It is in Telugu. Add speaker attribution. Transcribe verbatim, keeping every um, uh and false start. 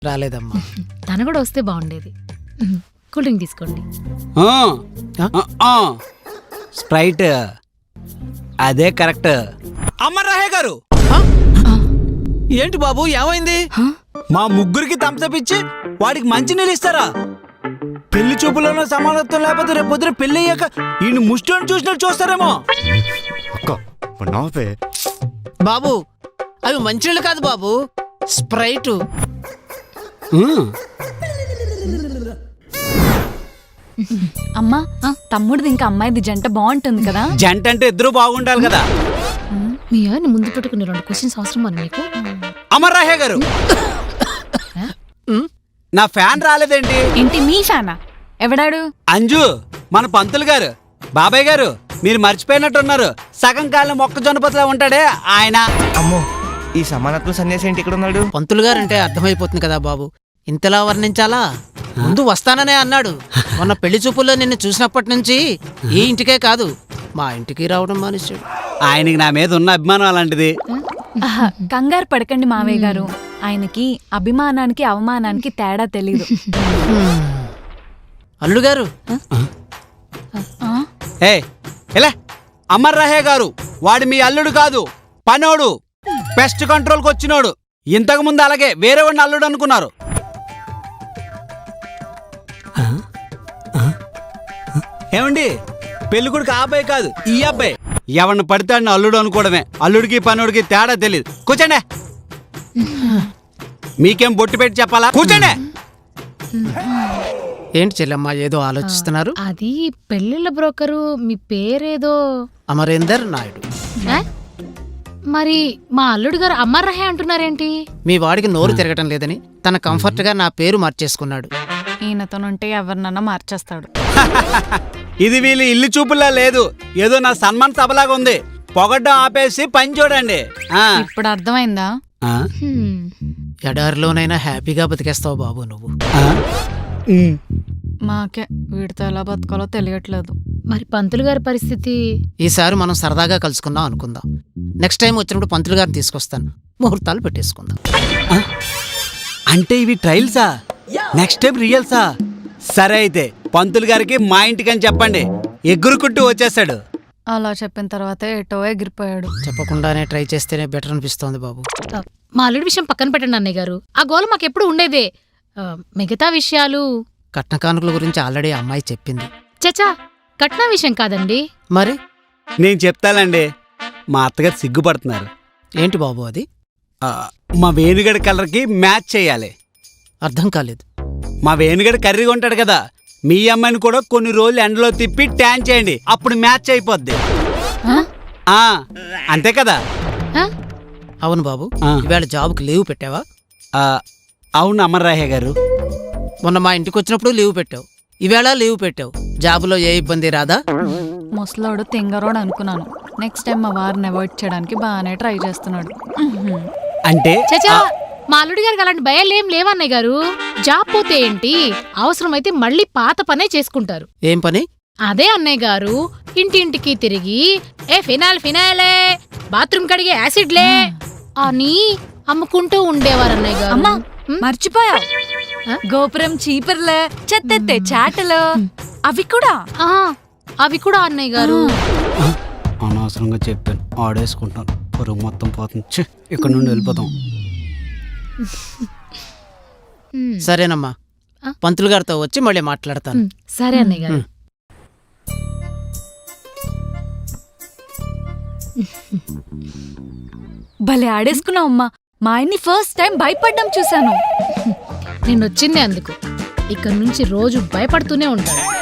Speaker 1: రాలేదమ్మా.
Speaker 2: తను కూడా వస్తే బాగుండేది. కూల్ డ్రింక్ తీసుకోండి.
Speaker 3: స్ప్రైట్ అదే కరెక్ట్. అమర్రాహే గారు,
Speaker 1: ఏంటి బాబు ఏమైంది?
Speaker 3: మా ముగ్గురికి తంసపిచ్చి వాడికి మంచి నీళ్ళు ఇస్తారా? పెళ్లి చూపులోనో సమానత్వం లేకపోతే రేపు పొద్దున పెళ్లి అయ్యాక ఈ ముష్టిని చూసినట్టు చూస్తారేమో.
Speaker 1: బాబు అవి మంచినీళ్ళు కాదు బాబు, స్ప్రైట్.
Speaker 4: అమ్మా, తమ్ముడిది ఇంకా అమ్మాయిది జంట బాగుంటుంది కదా?
Speaker 3: జంట అంటే ఇద్దరు బాగుండాలి కదా.
Speaker 2: మీ ఆయన ముందు పెట్టుకుని రెండు క్వశ్చన్స్ అవసరం అని నీకు.
Speaker 3: అమర్రాహే గారు, నా ఫ్యాన్ రాలేదేంటి?
Speaker 4: ఏంటి మీ ఫ్యానా? ఎవడాడు?
Speaker 3: అంజు, మన పంతులు గారు. బాబాయ్ గారు, మీరు మర్చిపోయినట్టున్నారు. సగం కాలం మొక్కజొన్న పొత్తులా ఉంటాడే ఆయన.
Speaker 5: అమ్మో, ఈ సమానత్వం సన్యాసి ఏంటి ఇక్కడ ఉన్నాడు?
Speaker 1: పంతులు గారు అంటే అర్థమైపోతుంది కదా బాబు, ఇంతలా వర్ణించాలా? ముందు వస్తాననే అన్నాడు. మొన్న పెళ్లి చూపుల్లో నిన్ను చూసినప్పటి నుంచి ఈ ఇంటికే కాదు మా ఇంటికి రావడం మానేశాడు.
Speaker 3: ఆయనకి నా మీద ఉన్న అభిమానం అలాంటిది.
Speaker 4: కంగారు పడకండి మావయ్య గారు, ఆయనకి అభిమానానికి అవమానానికి తేడా తెలీదు.
Speaker 1: అల్లుడు గారు,
Speaker 3: ఏ ఎలా? అమర్రాహే గారు, వాడు మీ అల్లుడు కాదు, పనోడు, పెస్ట్ కంట్రోల్కి వచ్చినోడు. ఇంతకు ముందు అలాగే వేరే వాడిని అల్లుడు అనుకున్నారు. ఏమండి, పెళ్లి కొడుకు ఆ అబ్బాయి కాదు, ఈ అబ్బాయి. ఎవరిని పడితే అల్లుడు అనుకోవడమే. అల్లుడికి పనోడికి తేడా తెలియదు. కూర్చోండి. మీకేం బొట్టు పెట్టి చెప్పాలా? కూర్చోండి.
Speaker 1: ఏంటి చెల్లెమ్మ ఏదో ఆలోచిస్తున్నారు?
Speaker 2: అది పెళ్లిళ్ళ బ్రోకరు, మీ పేరేదో
Speaker 1: అమరేందర్ నాయుడు.
Speaker 2: మరి మా అల్లుడు గారు అమర్రాహే అంటున్నారేంటి?
Speaker 1: మీ వాడికి నోరు తిరగటం లేదని తన కంఫర్ట్ గా నా పేరు మార్చేసుకున్నాడు.
Speaker 4: ఈయనతోనుంటే ఎవరినన్నా మార్చేస్తాడు.
Speaker 3: ఇది వీళ్ళు ఇల్లు చూపులా లేదు, ఏదో నా సన్మాన్ సభలాగా ఉంది. పొగడ్డం ఆపేసి పని చూడండి.
Speaker 4: ఇప్పుడు అర్థమైందా?
Speaker 1: ఎడారిలోనైనా హ్యాపీగా బతికేస్తావు బాబు నువ్వు.
Speaker 4: మాకే వీడితో ఎలా బతకాలో తెలియట్లేదు.
Speaker 2: మరి పంతులు గారి పరిస్థితి?
Speaker 1: ఈసారి మనం సరదాగా కలుసుకుందాం అనుకుందాం. నెక్స్ట్ టైం వచ్చినప్పుడు పంతులు గారిని తీసుకొస్తాను, ముహూర్తాలు పెట్టేసుకుందాం.
Speaker 3: అంటే ఇవి ట్రయల్సా? Next time రియల్సా? సరే అయితే పంతులు గారికి మా ఇంటికి అని చెప్పండి, ఎగురుకుంటూ వచ్చేస్తాడు.
Speaker 4: అలా చెప్పిన తర్వాత ఎటో ఎగిరిపోయాడు.
Speaker 1: చెప్పకుండానే ట్రై చేస్తేనే బెటర్ అనిపిస్తోంది బాబు.
Speaker 2: మా అల్లుడి విషయం పక్కన పెట్టండి అన్నయ్య గారు, ఆ గోల మాకెప్పుడు ఉండేదే. మిగతా విషయాలు,
Speaker 1: కట్న కానుకల గురించి ఆల్రెడీ అమ్మాయి చెప్పింది.
Speaker 2: చచా, కట్న విషయం కాదండి.
Speaker 1: మరి
Speaker 3: నేను చెప్తానండి. మా అత్తగారు సిగ్గుపడుతున్నారు.
Speaker 1: ఏంటి బాబు అది?
Speaker 3: మా వేణుగడి కలర్కి మ్యాచ్ చేయాలి.
Speaker 1: అర్థం కాలేదు.
Speaker 3: మా వేణుగడి కర్రీగా ఉంటాడు కదా, మీ అమ్మాయిని కూడా కొన్ని రోజులు ఎండలో తిప్పి ట్యాన్ చేయండి, అప్పుడు మ్యాచ్ అయిపోద్ది. అంతే కదా?
Speaker 1: అవును బాబు. ఇవాళ జాబ్కి లీవ్ పెట్టావా?
Speaker 3: అవును అమర్రాహే గారు,
Speaker 1: మొన్న మా ఇంటికి వచ్చినప్పుడు లీవ్ పెట్టావు, ఈవేళ లీవ్ పెట్టావు. జాబులో ఏ ఇబ్బంది రాదా?
Speaker 4: ముసలోడు తింగరోడు అనుకున్నాను. నెక్స్ట్ టైం మా వారిని అవాయిడ్ చేయడానికి బాగానే ట్రై చేస్తున్నాడు.
Speaker 3: అంటే
Speaker 2: చచా, మా అల్లుడి గారికి అలాంటి భయాలు ఏం లేవన్నయ్య గారు. జాబ్ పోతే ఏంటి, అవసరమైతే మళ్ళీ పాత పనే చేసుకుంటారు.
Speaker 1: ఏం పని?
Speaker 2: అదే అన్నయ్య గారు, ఇంటింటికి తిరిగి ఏ ఫినాల్ ఫినాలే, బాత్రూమ్ కడిగే యాసిడ్లే అని అమ్ముకుంటూ ఉండేవారు అన్నయ్య గారు.
Speaker 4: అమ్మా, మర్చిపోయా, గోపురం చీపుర్లే, చెత్తెత్తే చాటలు, అవి కూడా
Speaker 2: అవి కూడా అన్నయ్య గారు.
Speaker 3: అనవసరంగా చెప్పాను, ఆడేసుకుంటాను, పొరుగు మొత్తం పోతుంది. ఇక్కడ నుండి వెళ్ళిపోతాం.
Speaker 1: సరేనమ్మా, పంతులు గారితో వచ్చి మళ్ళీ మాట్లాడతాను.
Speaker 2: సరే అన్నయ్య గారు.
Speaker 4: భలే ఆడేసుకున్నావు అమ్మా. మా ఆయన్ని ఫస్ట్ టైం భయపడ్డం చూశాను.
Speaker 2: నేను వచ్చిందే అందుకు. ఇక్కడ నుంచి రోజు భయపడుతూనే ఉంటాడు.